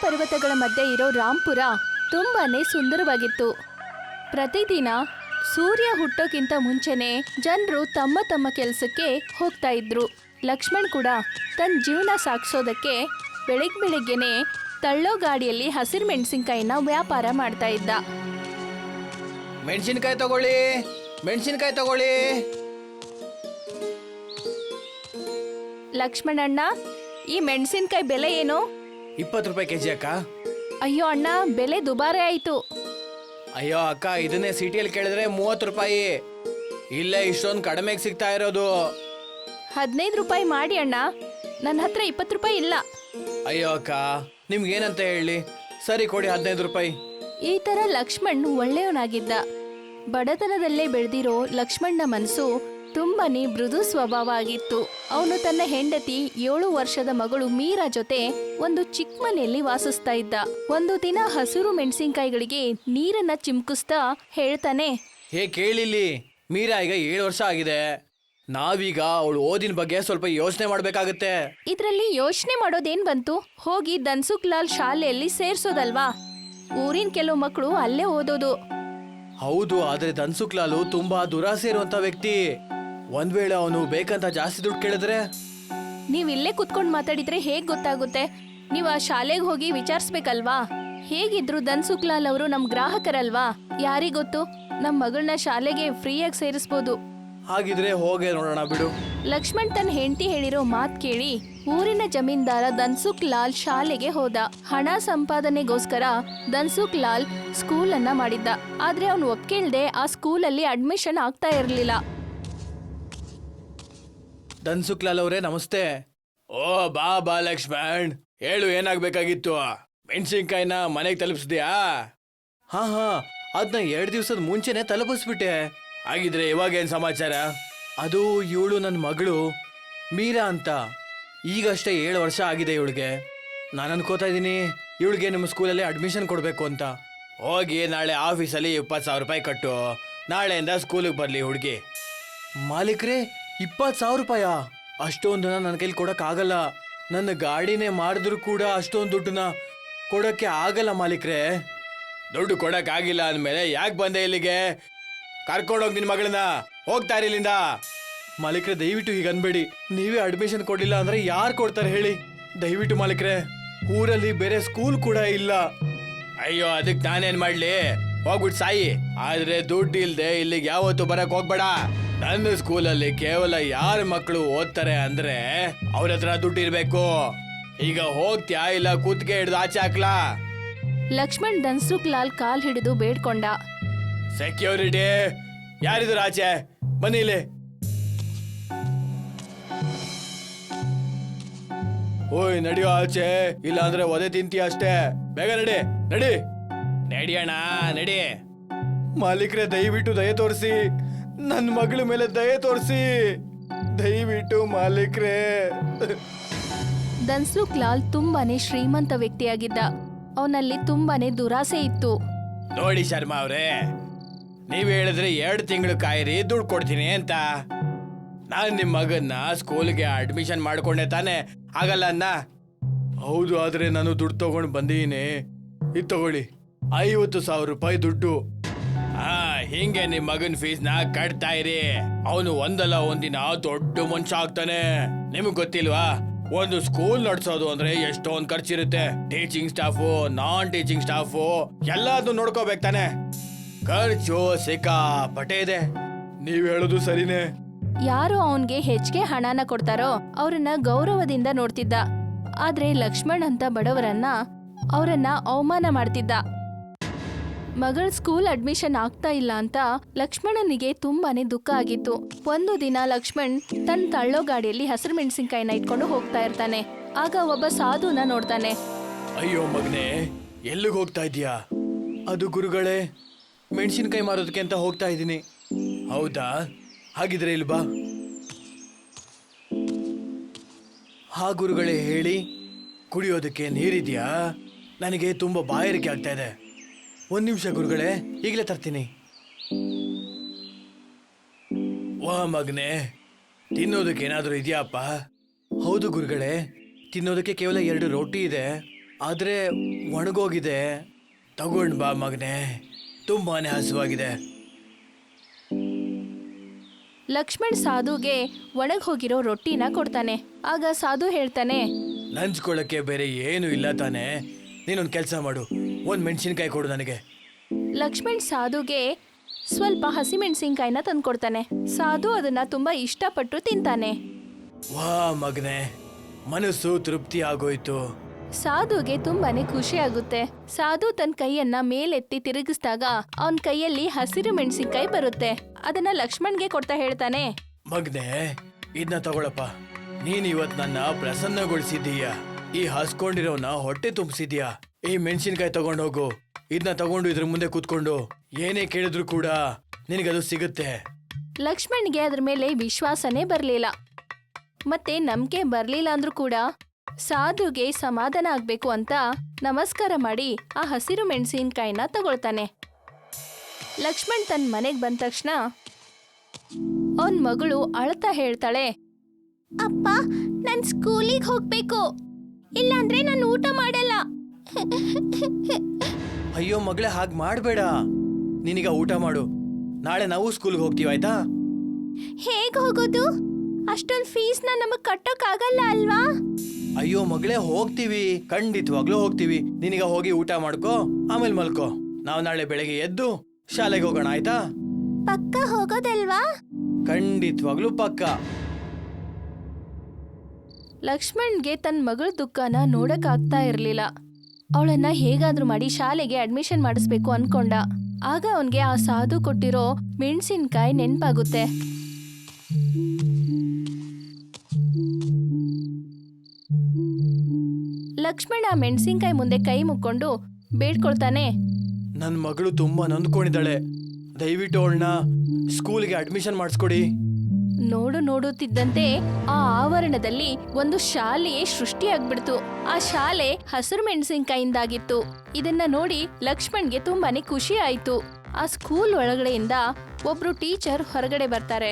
ಪರ್ವತಗಳ ಮಧ್ಯೆ ಇರೋ ರಾಂಪುರ ತುಂಬಾನೇ ಸುಂದರವಾಗಿತ್ತು. ಪ್ರತಿದಿನ ಸೂರ್ಯ ಹುಟ್ಟೋಕ್ಕಿಂತ ಮುಂಚೆನೆ ಜನರು ತಮ್ಮ ತಮ್ಮ ಕೆಲಸಕ್ಕೆ ಹೋಗ್ತಾ ಇದ್ರು. ಲಕ್ಷ್ಮಣ್ ಕೂಡ ತನ್ನ ಜೀವನ ಸಾಗಿಸೋದಕ್ಕೆ ಬೆಳಿಗ್ಗೆನೆ ತಳ್ಳೋ ಗಾಡಿಯಲ್ಲಿ ಹಸಿರು ಮೆಣಸಿನ್ಕಾಯಿನ ವ್ಯಾಪಾರ ಮಾಡ್ತಾ ಇದ್ದ. ಮೆಣಸಿನ್ಕಾಯಿ ತಗೊಳ್ಳಿ, ಮೆಣಸಿನ್ಕಾಯಿ ತಗೊಳ್ಳಿ. ಲಕ್ಷ್ಮಣಣ್ಣ, ಈ ಮೆಣಸಿನ್ಕಾಯಿ ಬೆಲೆ ಏನು? 20 ರೂಪಾಯಿ ಕೆಜಿ ಅಕ್ಕ. ಅಯ್ಯೋ ಅಣ್ಣ, ಬೆಲೆ ದುಬಾರಿ ಆಯ್ತು. ಅಯ್ಯೋ ಅಕ್ಕ, ಇದನ್ನೇ ಸಿಟಿಯಲ್ಲಿ ಕೇಳಿದ್ರೆ 30 ರೂಪಾಯಿ. ಇಲ್ಲೇ ಇಷ್ಟೊಂದು ಕಡಿಮೆಗೆ ಸಿಗ್ತಾ ಇರೋದು. 15 ರೂಪಾಯಿ ಮಾಡಿ ಅಣ್ಣ, ನನ್ನ ಹತ್ರ 20 ರೂಪಾಯಿ ಇಲ್ಲ. ಅಯ್ಯೋ ಅಕ್ಕ, ನಿಮ್ಗೇನಂತ ಹೇಳಿ, ಸರಿ ಕೊಡಿ 15 ರೂಪಾಯಿ. ಈ ತರ ಲಕ್ಷ್ಮಣ್ ಒಳ್ಳೆಯವನಾಗಿದ್ದ. ಬಡತನದಲ್ಲೇ ಬೆಳೆದಿರೋ ಲಕ್ಷ್ಮಣ್ನ ಮನಸ್ಸು ತುಂಬಾನೇ ಮೃದು ಸ್ವಭಾವ ಆಗಿತ್ತು. ಅವನು ತನ್ನ ಹೆಂಡತಿ 7 ವರ್ಷದ ಮಗಳು ಮೀರಾ ಜೊತೆ ಒಂದು ಚಿಕ್ಕ ಮನೆಯಲ್ಲಿ ವಾಸಿಸ್ತಾ ಇದ್ದ. ಒಂದು ದಿನ ಹಸಿರು ಮೆಣಸಿನ್ಕಾಯಿಗಳಿಗೆ ನೀರನ್ನ ಚಿಮ್ಕಿಸ್ತಾ ಹೇಳ್ತಾನೆ, ಹೇ ಕೇಳಿಲ್ಲಿ, ಮೀರಾ ಈಗ 7 ವರ್ಷ ಆಗಿದೆ. ನಾವೀಗ ಅವಳು ಓದಿನ ಬಗ್ಗೆ ಸ್ವಲ್ಪ ಯೋಚನೆ ಮಾಡ್ಬೇಕಾಗತ್ತೆ. ಇದ್ರಲ್ಲಿ ಯೋಚನೆ ಮಾಡೋದೇನ್ ಬಂತು? ಹೋಗಿ ಧನ್ಸುಖ್ ಲಾಲ್ ಶಾಲೆಯಲ್ಲಿ ಸೇರ್ಸೋದಲ್ವಾ? ಊರಿನ ಕೆಲವು ಮಕ್ಕಳು ಅಲ್ಲೇ ಓದೋದು. ಹೌದು, ಆದ್ರೆ ಧನ್ಸುಖ್ ಲಾಲು ತುಂಬಾ ದುರಾಸೆ ಇರುವಂತ ವ್ಯಕ್ತಿ. ಒಂದ್ ವೇಳೆ ಅವನು ಬೇಕಂತ ಜಾಸ್ತಿ ದುಡ್ಡು ಕೇಳಿದ್ರೆ? ನೀವ್ ಇಲ್ಲೇ ಕುತ್ಕೊಂಡ್ ಮಾತಾಡಿದ್ರೆ ಹೇಗ್ ಗೊತ್ತಾಗುತ್ತೆ? ನೀವ್ ಆ ಶಾಲೆಗೆ ಹೋಗಿ ವಿಚಾರಿಸ್ಬೇಕಲ್ವಾ? ಹೇಗಿದ್ರು ಧನ್ಸುಖ್ ಲಾಲ್ ಅವರು ನಮ್ ಗ್ರಾಹಕರಲ್ವಾ? ಯಾರಿಗೊತ್ತು, ನಮ್ ಮಗಳನ್ನ ಶಾಲೆಗೆ ಫ್ರೀಯಾಗಿ ಸೇರಿಸ್ಬೋದು. ಹಾಗಿದ್ರೆ ಹೋಗಿ ನೋಡೋಣ ಬಿಡು. ಲಕ್ಷ್ಮಣ್ ತನ್ನ ಹೆಂಡತಿ ಹೇಳಿರೋ ಮಾತ್ ಕೇಳಿ ಊರಿನ ಜಮೀನ್ದಾರ ಧನ್ಸುಖ್ ಲಾಲ್ ಶಾಲೆಗೆ ಹೋದ. ಹಣ ಸಂಪಾದನೆಗೋಸ್ಕರ ಧನ್ಸುಖ್ ಲಾಲ್ ಸ್ಕೂಲ್ ಅನ್ನ ಮಾಡಿದ್ದ. ಆದ್ರೆ ಅವನು ಒಪ್ಕೇಳ್ದೆ ಆ ಸ್ಕೂಲಲ್ಲಿ ಅಡ್ಮಿಷನ್ ಆಗ್ತಾ ಇರ್ಲಿಲ್ಲ. ಧನ್ಸುಖ್ ಲಾಲ್ ಅವರೇ, ನಮಸ್ತೆ. ಓ ಬಾ ಲಕ್ಷ್ಮಣ್, ಹೇಳು, ಏನಾಗ್ಬೇಕಾಗಿತ್ತು? ಮೆಣಸಿನ್ಕಾಯಿನ ಮನೆಗೆ ತಲುಪಿಸ್ದ್ಯಾ? ಹಾ, ಅದನ್ನ 2 ದಿವಸದ ಮುಂಚೆನೆ ತಲುಪಿಸ್ಬಿಟ್ಟೆ. ಹಾಗಿದ್ರೆ ಇವಾಗೇನ್ ಸಮಾಚಾರ? ಅದು ಇವಳು ನನ್ನ ಮಗಳು ಮೀರಾ ಅಂತ. ಈಗಷ್ಟೇ 7 ವರ್ಷ ಆಗಿದೆ ಇವಳಿಗೆ. ನಾನು ಅನ್ಕೋತಾ ಇದ್ದೀನಿ ಇವಳಿಗೆ ನಿಮ್ಮ ಸ್ಕೂಲಲ್ಲಿ ಅಡ್ಮಿಷನ್ ಕೊಡಬೇಕು ಅಂತ. ಹೋಗಿ ನಾಳೆ ಆಫೀಸಲ್ಲಿ 20,000 ರೂಪಾಯಿ ಕಟ್ಟು. ನಾಳೆಯಿಂದ ಸ್ಕೂಲಿಗೆ ಬರಲಿ ಹುಡುಗಿ. ಮಾಲೀಕ್ರೆ, 20,000 ರೂಪಾಯ? ಅಷ್ಟೊಂದನ್ನ ನನ್ನ ಕೈಲಿ ಕೊಡೋಕ್ಕಾಗಲ್ಲ. ನನ್ನ ಗಾಡಿನೇ ಮಾಡಿದ್ರು ಕೂಡ ಅಷ್ಟೊಂದು ದುಡ್ಡನ್ನ ಕೊಡೋಕ್ಕೆ ಆಗಲ್ಲ ಮಾಲೀಕ್ರೆ. ದುಡ್ಡು ಕೊಡೋಕ್ಕಾಗಿಲ್ಲ ಅಂದಮೇಲೆ ಯಾಕೆ ಬಂದೆ ಇಲ್ಲಿಗೆ? ಕರ್ಕೊಂಡೋಗಿ ನಿನ್ನ ಮಗಳನ್ನ, ಹೋಗ್ತಾ ಇರಿ ಇಲ್ಲಿಂದ. ಮಾಲೀಕ್ರೆ, ದಯವಿಟ್ಟು ಹೀಗೆ ಅನ್ಬೇಡಿ. ನೀವೇ ಅಡ್ಮಿಷನ್ ಕೊಡಲಿಲ್ಲ ಅಂದ್ರೆ ಯಾರು ಕೊಡ್ತಾರೆ ಹೇಳಿ? ದಯವಿಟ್ಟು ಮಾಲೀಕ್ರೆ, ಊರಲ್ಲಿ ಬೇರೆ ಸ್ಕೂಲ್ ಕೂಡ ಇಲ್ಲ. ಅಯ್ಯೋ, ಅದಕ್ಕೆ ನಾನೇನ್ ಮಾಡ್ಲಿ? ಹೋಗ್ಬಿಟ್ಟು ಸಾಯಿ. ಆದ್ರೆ ದುಡ್ಡು ಇಲ್ದೆ ಇಲ್ಲಿಗೆ ಯಾವತ್ತು ಬರಕ್ ಹೋಗ್ಬೇಡ. ನನ್ನ ಸ್ಕೂಲಲ್ಲಿ ಕೇವಲ ಯಾರ ಮಕ್ಕಳು ಓದ್ತಾರೆ ಅಂದ್ರೆ ಅವ್ರ ಹತ್ರ ದುಡ್ಡು ಇರ್ಬೇಕು. ಈಗ ಹೋಗ್ತ್ಯಾ ಇಲ್ಲ ಕೂತ್ಗೆ ಹಿಡ್ದು ಆಚೆ ಹಾಕ್ಲಾ? ಲಕ್ಷ್ಮಣ್ ಧನ್ಸುಖ್ ಲಾಲ್ ಕಾಲ್ ಹಿಡಿದು ಬೇಡ್ಕೊಂಡ. ಸೆಕ್ಯೂರಿಟಿ, ಯಾರಿದ್ರು ಆಚೆ? ಬನ್ನಿ ಇಲ್ಲಿ. ಓಯ್, ನಡಿಯೋ ಆಚೆ, ಇಲ್ಲ ಅಂದ್ರೆ ಒದೆ ತಿಂತೀಯ ಅಷ್ಟೇ. ಬೇಗ ನಡಿ ನಡಿ. ನಡಿಯಣ್ಣ, ನಡಿ. ಮಾಲೀಕ್ರೆ, ದಯವಿಟ್ಟು ದಯೆ ತೋರಿಸಿ, ನನ್ನ ಮಗಳ ಮೇಲೆ ದಯೆ ತೋರಿಸಿ, ದಯವಿಟ್ಟು ಮಾಲೀಕ್ರೆ. ಧನ್ಸುಖ್ ಲಾಲ್ ತುಂಬಾನೇ ಶ್ರೀಮಂತ ವ್ಯಕ್ತಿಯಾಗಿದ್ದ. ಅವನಲ್ಲಿ ತುಂಬಾನೇ ದುರಾಸೆ ಇತ್ತು. ನೋಡಿ ಶರ್ಮಾ ಅವ್ರೆ, ನೀವ್ ಹೇಳಿದ್ರೆ 2 ತಿಂಗಳು ಕಾಯಿರಿ, ದುಡ್ಡು ಕೊಡ್ತೀನಿ ಅಂತ. ನಾನು ನಿಮ್ಮ ಮಗನ್ನ ಸ್ಕೂಲ್ಗೆ ಅಡ್ಮಿಷನ್ ಮಾಡ್ಕೊಂಡೆ ತಾನೆ, ಆಗಲ್ಲ ಅನ್ನ? ಹೌದು, ಆದ್ರೆ ನಾನು ದುಡ್ಡು ತಗೊಂಡು ಬಂದೀನಿ. ಇದು ತಗೊಳ್ಳಿ, 50,000 ರೂಪಾಯಿ ದುಡ್ಡು. ಹಿಂಗೆ ನಿಮ್ ಮಗನ್ ಫೀಸ್ನ ಕಟ್ತಾ ಇರಿ. ಅವನು ಒಂದಲ್ಲ ಒಂದಿನ ದೊಡ್ಡ ಮನುಷ್ಯ ಆಗ್ತಾನೆ. ನಿಮಗ್ ಗೊತ್ತಿಲ್ವಾ, ಒಂದು ಸ್ಕೂಲ್ ನಡ್ಸೋದು ಅಂದ್ರೆ ಎಷ್ಟೊಂದ್ ಖರ್ಚಿರುತ್ತೆ. ಟೀಚಿಂಗ್ ಸ್ಟಾಫು, ನಾನ್ ಟೀಚಿಂಗ್ ಸ್ಟಾಫು ಎಲ್ಲಾದ್ರೂ ನೋಡ್ಕೋಬೇಕು ತಾನೆ. ಖರ್ಚು ಸಿಕ್ಕಾಪಟ್ಟೆ ಇದೆ. ನೀವ್ ಹೇಳೋದು ಸರಿನೇ. ಯಾರು ಅವನ್ಗೆ ಹೆಚ್ಚಿಗೆ ಹಣನ ಕೊಡ್ತಾರೋ ಅವ್ರನ್ನ ಗೌರವದಿಂದ ನೋಡ್ತಿದ್ದ. ಆದ್ರೆ ಲಕ್ಷ್ಮಣ್ ಅಂತ ಬಡವರನ್ನ ಅವರನ್ನ ಅವಮಾನ ಮಾಡ್ತಿದ್ದ. ಮಗಳ ಸ್ಕೂಲ್ ಅಡ್ಮಿಷನ್ ಆಗ್ತಾ ಇಲ್ಲ ಅಂತ ಲಕ್ಷ್ಮಣನಿಗೆ ತುಂಬಾನೇ ದುಃಖ ಆಗಿತ್ತು. ಒಂದು ದಿನ ಲಕ್ಷ್ಮಣ್ ತನ್ನ ತಳ್ಳೋ ಗಾಡಿಯಲ್ಲಿ ಹಸಿರು ಮೆಣಸಿನ್ಕಾಯಿನ ಇಟ್ಕೊಂಡು ಹೋಗ್ತಾ ಇರ್ತಾನೆ. ಆಗ ಒಬ್ಬ ಸಾಧುನ ನೋಡ್ತಾನೆ. ಅಯ್ಯೋ ಮಗನೇ, ಎಲ್ಲಿಗೆ ಹೋಗ್ತಾ ಇದೀಯಾ? ಅದು ಗುರುಗಳೇ, ಮೆಣಸಿನ್ಕಾಯಿ ಮಾರೋದಕ್ಕೆ ಅಂತ ಹೋಗ್ತಾ ಇದ್ದೀನಿ. ಹೌದಾ? ಹಾಗಿದ್ರೆ ಇಲ್ಲಿ ಬಾ. ಹಾ ಗುರುಗಳೇ, ಹೇಳಿ. ಕುಡಿಯೋದಕ್ಕೆ ನೀರಿದ್ಯಾ? ನನಗೆ ತುಂಬಾ ಬಾಯಾರಿಕೆ ಆಗ್ತಾ ಇದೆ. 1 ನಿಮಿಷ ಗುರುಗಳೇ, ಈಗಲೇ ತರ್ತೀನಿ. ವಾ ಮಗನೇ, ತಿನ್ನೋದಕ್ಕೆ ಏನಾದರೂ ಇದೆಯಾಪ್ಪ? ಹೌದು ಗುರುಗಳೇ, ತಿನ್ನೋದಕ್ಕೆ ಕೇವಲ 2 ರೋಟಿ ಇದೆ. ಆದ್ರೆ ಒಣಗೋಗಿದೆ. ತಗೊಂಡ್ ಬಾ ಮಗನೇ, ತುಂಬಾನೇ ಹಸುವಾಗಿದೆ. ಲಕ್ಷ್ಮಣ್ ಸಾಧುಗೆ ಒಣಗ್ ಹೋಗಿರೋ ರೊಟ್ಟಿನ ಕೊಡ್ತಾನೆ. ಆಗ ಸಾಧು ಹೇಳ್ತಾನೆ, ನಂಚ್ಕೊಳ್ಳಕ್ಕೆ ಬೇರೆ ಏನು ಇಲ್ಲ ತಾನೆ. ನೀನೊಂದು ಕೆಲಸ ಮಾಡು, ಒಂದು ಮೆಣಸಿನ್ಕಾಯಿ ಕೊಡು ನನಗೆ. ಲಕ್ಷ್ಮಣ್ ಸಾಧುಗೆ ಸ್ವಲ್ಪ ಹಸಿಮೆಣಸಿನ್ಕಾಯಿನ ತಂದ್ಕೊಡ್ತಾನೆ. ಸಾಧು ಅದನ್ನ ತುಂಬಾ ಇಷ್ಟಪಟ್ಟು ತಿಂತಾನೆ. ವಾ ಮಗನೇ, ಮನಸ್ಸು ತೃಪ್ತಿ ಆಗೋಯ್ತು. ಸಾಧುಗೆ ತುಂಬಾನೇ ಖುಷಿ ಆಗುತ್ತೆ. ಸಾಧು ತನ್ನ ಕೈಯನ್ನ ಮೇಲೆತ್ತಿ ತಿರುಗಿಸಿದಾಗ ಅವನ್ ಕೈಯಲ್ಲಿ ಹಸಿರು ಮೆಣಸಿನ್ಕಾಯಿ ಬರುತ್ತೆ. ಅದನ್ನ ಲಕ್ಷ್ಮಣ್ಗೆ ಕೊಡ್ತಾ ಹೇಳ್ತಾನೆ, ಮಗನೇ, ಇದನ್ನ ತಗೊಳಪ್ಪ. ನೀನ್ ಇವತ್ ನನ್ನ ಪ್ರಸನ್ನಗೊಳಿಸಿದ್ದೀಯ. ಈ ಹಸ್ಕೊಂಡಿರೋನ ಹೊಟ್ಟೆ ತುಂಬಿಸಿದ್ಯಾ. ಈ ಮೆಣಸಿನ್ಕಾಯಿ ತಗೊಂಡೋಗು. ಇದನ್ನ ತಗೊಂಡು ಇದ್ರ ಮುಂದೆ ಕೂತ್ಕೊಂಡು ಏನೇ ಕೇಳಿದ್ರು ಕೂಡ ನಿನಗದು ಸಿಗುತ್ತೆ. ಲಕ್ಷ್ಮಣ್ಗೆ ಅದ್ರ ಮೇಲೆ ವಿಶ್ವಾಸನೇ ಬರ್ಲಿಲ್ಲ. ಮತ್ತೆ ನಂಬಿಕೆ ಬರ್ಲಿಲ್ಲ ಅಂದ್ರೂ ಕೂಡ ಸಾಧುಗೆ ಸಮಾಧಾನ ಆಗ್ಬೇಕು ಅಂತ ನಮಸ್ಕಾರ ಮಾಡಿ ಆ ಹಸಿರು ಮೆಣಸಿನ್ಕಾಯಿನ ತಗೊಳ್ತಾನೆ. ಲಕ್ಷ್ಮಣ್ ತನ್ನ ಮನೆಗ್ ಬಂದ ತಕ್ಷಣ ಅವನ್ ಮಗಳು ಅಳ್ತಾ ಹೇಳ್ತಾಳೆ, ಅಪ್ಪ, ನನ್ ಸ್ಕೂಲಿಗೆ ಹೋಗ್ಬೇಕು, ಇಲ್ಲಾಂದ್ರೆ ನಾನು ಊಟ ಮಾಡಲ್ಲ. ಅಯ್ಯೋ ಮಗಳೇ, ಹಾಗೆ ಮಾಡಬೇಡ. ನೀನೀಗ ಊಟ ಮಾಡು. ನಾಳೆ ನಾವು ಸ್ಕೂಲ್ಗೆ ಹೋಗ್ತೀವಿ, ಆಯ್ತಾ? ಹೇಗ್ ಹೋಗೋದು? ಅಷ್ಟೊಂದು ಫೀಸ್ನ ನಮಗ್ ಕಟ್ಟೋಕ್ ಆಗಲ್ಲ ಅಲ್ವಾ? ಅಯ್ಯೋ ಮಗಳೇ, ಹೋಗ್ತೀವಿ, ಖಂಡಿತವಾಗ್ಲೂ ಹೋಗ್ತೀವಿ. ನೀನೀಗ ಹೋಗಿ ಊಟ ಮಾಡ್ಕೋ, ಆಮೇಲೆ ಮಲ್ಕೋ. ನಾವು ನಾಳೆ ಬೆಳಗ್ಗೆ ಎದ್ದು ಶಾಲೆಗೆ ಹೋಗೋಣ, ಆಯ್ತಾ? ಪಕ್ಕ ಹೋಗೋದಲ್ವಾ? ಖಂಡಿತವಾಗ್ಲೂ ಪಕ್ಕ. ಲಕ್ಷ್ಮಣ್ಗೆ ತನ್ನ ಮಗಳ ದುಃಖನ ನೋಡಕ್ ಆಗ್ತಾ ಇರ್ಲಿಲ್ಲ. ಅವಳನ್ನ ಹೇಗಾದ್ರೂ ಮಾಡಿ ಶಾಲೆಗೆ ಅಡ್ಮಿಷನ್ ಮಾಡಿಸ್ಬೇಕು ಅನ್ಕೊಂಡ. ಆಗ ಅವನ್ಗೆ ಆ ಸಾಧು ಕೊಟ್ಟಿರೋ ಮೆಣಸಿನ್ಕಾಯಿ ನೆನ್ಪಾಗುತ್ತೆ. ಲಕ್ಷ್ಮಣ ಮೆಣಸಿನ್ಕಾಯಿ ಮುಂದೆ ಕೈ ಮುಕ್ಕೊಂಡು ಬೇಡ್ಕೊಳ್ತಾನೆ, ನನ್ನ ಮಗಳು ತುಂಬಾ ನೊಂದ್ಕೊಂಡಿದ್ದಾಳೆ. ದಯವಿಟ್ಟು ಅವಳನ್ನ ಸ್ಕೂಲ್ಗೆ ಅಡ್ಮಿಷನ್ ಮಾಡಿಸ್ಕೊಡಿ. ನೋಡುತ್ತಿದ್ದಂತೆ ಆ ಆವರಣದಲ್ಲಿ ಒಂದು ಶಾಲೆಯೇ ಸೃಷ್ಟಿಯಾಗ್ಬಿಡ್ತು. ಆ ಶಾಲೆ ಹಸಿರು ಮೆಣಸಿನ್ಕಾಯಿಂದಾಗಿತ್ತು. ಇದನ್ನ ನೋಡಿ ಲಕ್ಷ್ಮಣ್ಗೆ ತುಂಬಾನೇ ಖುಷಿ ಆಯ್ತು. ಆ ಸ್ಕೂಲ್ ಒಳಗಡೆಯಿಂದ ಒಬ್ರು ಟೀಚರ್ ಹೊರಗಡೆ ಬರ್ತಾರೆ.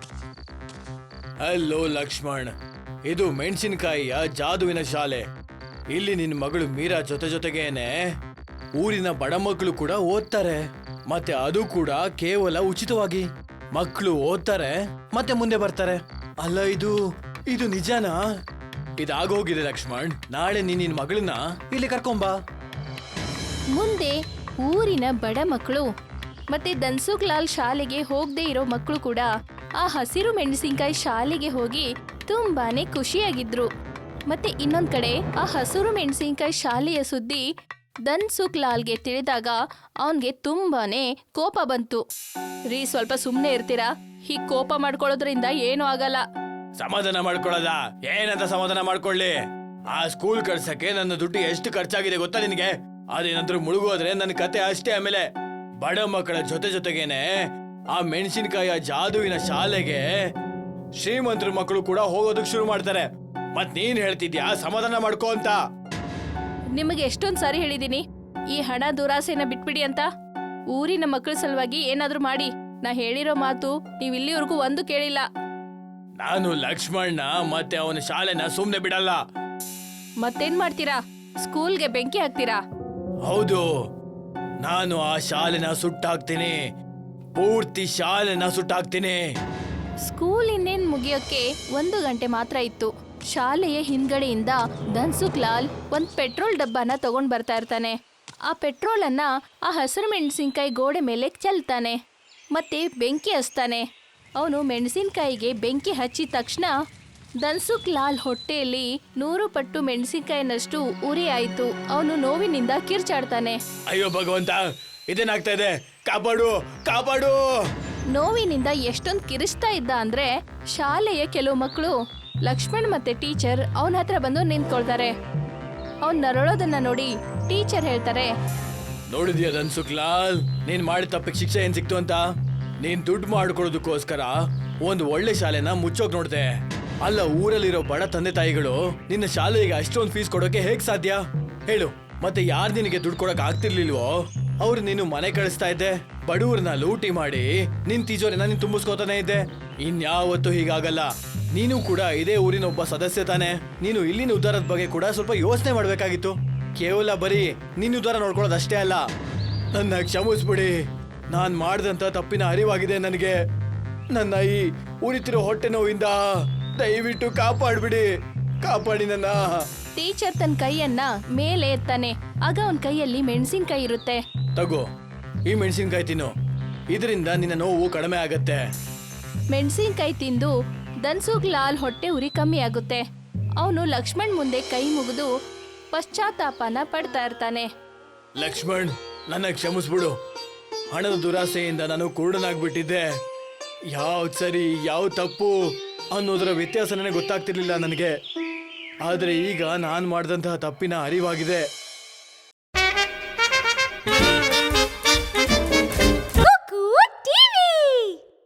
ಹಲೋ ಲಕ್ಷ್ಮಣ್, ಇದು ಮೆಣಸಿನಕಾಯಿಯ ಜಾದುವಿನ ಶಾಲೆ. ಇಲ್ಲಿ ನಿನ್ನ ಮಗಳು ಮೀರಾ ಜೊತೆಗೇನೆ ಊರಿನ ಬಡ ಮಕ್ಕಳು ಕೂಡ ಓದ್ತಾರೆ. ಮತ್ತೆ ಅದು ಕೂಡ ಕೇವಲ ಉಚಿತವಾಗಿ. ಮಕ್ಕಳು ಓದ್ತಾರೆ ಮತ್ತೆ ಮುಂದೆ ಬರ್ತಾರೆ. ಅಲ್ಲ, ಇದು ನಿಜನಾ? ಇದಾಗೋಗಿದೆ ಲಕ್ಷ್ಮಣ್. ನಾಳೆ ನಿನ್ನ ಮಗಳನ್ನ ಇಲ್ಲಿ ಕರ್ಕೊಂಬಾ. ಮುಂದೆ ಊರಿನ ಬಡ ಮಕ್ಕಳು ಮತ್ತೆ ಧನ್ಸುಖ್ ಲಾಲ್ ಶಾಲೆಗೆ ಹೋಗದೆ ಇರೋ ಮಕ್ಕಳು ಕೂಡ ಆ ಹಸಿರು ಮೆಣಸಿನ್ಕಾಯಿ ಶಾಲೆಗೆ ಹೋಗಿ ತುಂಬಾನೇ ಖುಷಿಯಾಗಿದ್ರು. ಮತ್ತೆ ಇನ್ನೊಂದ್ ಕಡೆ ಆ ಹಸಿರು ಮೆಣಸಿನ್ಕಾಯಿ ಶಾಲೆಯ ಸುದ್ದಿ ಧನ್ಸುಖ್ ಲಾಲ್ಗೆ ತಿಳಿದಾಗ ಅವನ್ಗೆ ತುಂಬಾನೇ ಕೋಪ ಬಂತು. ರೀ, ಸ್ವಲ್ಪ ಸುಮ್ನೆ ಇರ್ತೀರಾ? ಹೀಗ್ ಕೋಪ ಮಾಡ್ಕೊಳ್ಳೋದ್ರಿಂದ ಏನೂ ಆಗಲ್ಲ. ಸಮಾಧಾನ ಮಾಡ್ಕೊಳ್ಳೋದ? ಏನಂತ ಸಮಾಧಾನ ಮಾಡ್ಕೊಳ್ಳಿ? ಆ ಸ್ಕೂಲ್ ಕಳ್ಸಕ್ಕೆ ನನ್ನ ದುಡ್ಡು ಎಷ್ಟು ಖರ್ಚಾಗಿದೆ ಗೊತ್ತಾ ನಿನಗೆ? ಅದೇನಾದ್ರೂ ಮುಳುಗೋದ್ರೆ ನನ್ನ ಕತೆ ಅಷ್ಟೇ. ಆಮೇಲೆ ಬಡ ಮಕ್ಕಳ ಜೊತೆಗೇನೆ ಆ ಮೆಣಸಿನಕಾಯಿಯ ಜಾದುವಿನ ಶಾಲೆಗೆ ಶ್ರೀಮಂತರ ಮಕ್ಕಳು ಕೂಡ ಹೋಗೋದಕ್ಕೆ ಶುರು ಮಾಡ್ತಾರೆ. ಮತ್ ನೀನ್ ಹೇಳ್ತಿದ್ಯಾ ಸಮಾಧಾನ ಮಾಡ್ಕೋ ಅಂತ? ನಿಮಗೆ ಎಷ್ಟೊಂದ್ ಸಾರಿ ಹೇಳಿದೀನಿ ಈ ಹಣ ದುರಾಸೆನ ಬಿಟ್ಬಿಡಿ ಅಂತ. ಊರಿನ ಮಕ್ಕಳ ಸಲುವಾಗಿ ಏನಾದ್ರೂ ಮಾಡಿ. ನಾ ಹೇಳಿರೋ ಮಾತು ನೀವ್ ಇಲ್ಲಿವರೆಗೂ ಒಂದು ಕೇಳಿಲ್ಲ. ನಾನು ಲಕ್ಷ್ಮಣ್ಣ ಮತ್ತೆ ಅವನ ಶಾಲೆನ ಸುಮ್ನೆ ಬಿಡಲ್ಲ. ಮತ್ತೇನ್ ಮಾಡ್ತೀರಾ? ಸ್ಕೂಲ್ಗೆ ಬೆಂಕಿ ಹಾಕ್ತೀರಾ? ಹೌದು, ನಾನು ಆ ಶಾಲೆನ ಸುಟ್ಟಾಕ್ತೀನಿ. ಪೂರ್ತಿ ಶಾಲೆನ ಸುಟ್ಟಾಕ್ತೀನಿ. ಸ್ಕೂಲ್ ಇನ್ನೇನ್ ಮುಗಿಯೋಕೆ 1 ಗಂಟೆ ಮಾತ್ರ ಇತ್ತು. ಶಾಲೆಯ ಹಿಂದ್ಗಡೆಯಿಂದ ಧನ್ಸುಖ್ ಲಾಲ್ ಒಂದ್ ಪೆಟ್ರೋಲ್ ಡಬ್ಬನ ತಗೊಂಡ್ ಬರ್ತಾ ಇರ್ತಾನೆ. ಆ ಪೆಟ್ರೋಲ್ ಅನ್ನ ಆ ಹಸಿರು ಮೆಣಸಿನ್ಕಾಯಿ ಗೋಡೆ ಮೇಲೆ ಚೆಲ್ತಾನೆ ಮತ್ತೆ ಬೆಂಕಿ ಹಚ್ತಾನೆ. ಅವನು ಮೆಣಸಿನ್ಕಾಯಿಗೆ ಬೆಂಕಿ ಹಚ್ಚಿದ ತಕ್ಷಣ ಧನ್ಸುಖ್ ಲಾಲ್ ಹೊಟ್ಟೆಯಲ್ಲಿ 100 ಪಟ್ಟು ಮೆಣಸಿನ್ಕಾಯಿನಷ್ಟು ಉರಿ ಆಯ್ತು. ಅವನು ನೋವಿನಿಂದ ಕಿರ್ಚಾಡ್ತಾನೆ. ಅಯ್ಯೋ ಭಗವಂತ, ಇದೇನಾಗ್ತಾ ಇದೆ? ಕಾಪಾಡು, ಕಾಪಾಡು! ನೋವಿನಿಂದ ಎಷ್ಟೊಂದು ಕಿರಿಸ್ತಾ ಇದ್ದ ಅಂದ್ರೆ ಶಾಲೆಯ ಕೆಲವು ಮಕ್ಕಳು ಲಕ್ಷ್ಮಣ್ ಮತ್ತೆ ಟೀಚರ್ ಅವನ ಹತ್ರ ಬಂದು ನಿಂತ್ಕೊಳ್ತಾರೆ. ಅವ್ನ್ ನರಳೋದನ್ನ ನೋಡಿ ಟೀಚರ್ ಹೇಳ್ತಾರೆ, ನೋಡಿದ್ಯಾ ಧನ್ಸುಖ್ ಲಾಲ್, ನೀನ್ ಮಾಡಿದ ತಪ್ಪಿಗೆ ಶಿಕ್ಷೆ ಏನ್ ಸಿಕ್ತು ಅಂತ? ನೀನ್ ದುಡ್ಡು ಮಾಡ್ಕೊಳ್ಳೋದಕ್ಕೋಸ್ಕರ ಒಂದು ಒಳ್ಳೆ ಶಾಲೆನ ಮುಚ್ಚೋಕ್ ನೋಡ್ದೆ. ಅಲ್ಲ, ಊರಲ್ಲಿರೋ ಬಡ ತಂದೆ ತಾಯಿಗಳು ನಿನ್ನ ಶಾಲೆಗೆ ಅಷ್ಟೊಂದು ಫೀಸ್ ಕೊಡೋಕೆ ಹೇಗ್ ಸಾಧ್ಯ ಹೇಳು? ಮತ್ತೆ ಯಾರು ನಿನಗೆ ದುಡ್ಡು ಕೊಡಕ್ ಆಗ್ತಿರ್ಲಿಲ್ವೋ ಅವ್ರು ನೀನು ಮನೆ ಕಳಿಸ್ತಾ ಇದ್ದೆ. ಬಡವ್ರನ್ನ ಲೂಟಿ ಮಾಡಿ ನಿನ್ ತಿಜೋರಿನ ನೀನ್ ತುಂಬಿಸ್ಕೋತಾನೆ ಇದ್ದೆ. ಇನ್ಯಾವತ್ತೂ ಹೀಗಾಗಲ್ಲ. ನೀನು ಕೂಡ ಇದೇ ಊರಿನ ಒಬ್ಬ ಸದಸ್ಯ ತಾನೆ. ನೀನು ಇಲ್ಲಿನ ಉದ್ದಾರದ ಬಗ್ಗೆ ಕೂಡ ಸ್ವಲ್ಪ ಯೋಚನೆ ಮಾಡ್ಬೇಕಾಗಿತ್ತು. ಕೇವಲ ಬರೀ ನಿನ್ನ ಉದಾರ ನೋಡ್ಕೊಳ್ಳೋದಷ್ಟೇ ಅಲ್ಲ, ನನ್ನ ಕ್ಷಮಿಸ್ಬಿಡಿ. ನಾನ್ ಮಾಡಿದಂತ ತಪ್ಪಿನ ಅರಿವಾಗಿದೆ ನನಗೆ. ನನ್ನ ಈ ಉರಿತಿರೋ ಹೊಟ್ಟೆ ನೋವಿಂದ ದಯವಿಟ್ಟು ಕಾಪಾಡ್ಬಿಡಿ, ಕಾಪಾಡಿ ನನ್ನ. ಟೀಚರ್ ತನ್ನ ಕೈಯನ್ನ ಮೇಲೆ ಎತ್ತಾನೆ. ಆಗ ಅವನ ಕೈಯಲ್ಲಿ ಮೆಣಸಿನ್ಕಾಯಿ ಇರುತ್ತೆ. ತಗೋ, ಈ ಮೆಣಸಿನ್ಕಾಯಿ ತಿನ್ನು, ಇದರಿಂದ ನಿನ್ನ ನೋವು ಕಡಿಮೆ ಆಗತ್ತೆ. ಮೆಣಸಿನ್ಕಾಯಿ ತಿಂದು ಧನ್ಸುಖ್ ಲಾಲ್ ಹೊಟ್ಟೆ ಉರಿ ಕಮ್ಮಿ ಆಗುತ್ತೆ. ಅವನು ಲಕ್ಷ್ಮಣ್ ಮುಂದೆ ಕೈ ಮುಗಿದು ಪಶ್ಚಾತ್ತಾಪನ ಪಡ್ತಾ ಇರ್ತಾನೆ. ಲಕ್ಷ್ಮಣ್, ನನ್ನ ಕ್ಷಮಿಸ್ಬಿಡು. ಹಣದ ದುರಾಸೆಯಿಂದ ನಾನು ಕುರುಡನಾಗ್ಬಿಟ್ಟಿದ್ದೆ. ಯಾವ್ದು ಸರಿ ಯಾವ್ದು ತಪ್ಪು ಅನ್ನೋದರ ವ್ಯತ್ಯಾಸ ನನಗೆ ಗೊತ್ತಾಗ್ತಿರ್ಲಿಲ್ಲ ನನಗೆ. ಆದರೆ ಈಗ ನಾನು ಮಾಡಿದಂತಹ ತಪ್ಪಿನ ಅರಿವಾಗಿದೆ.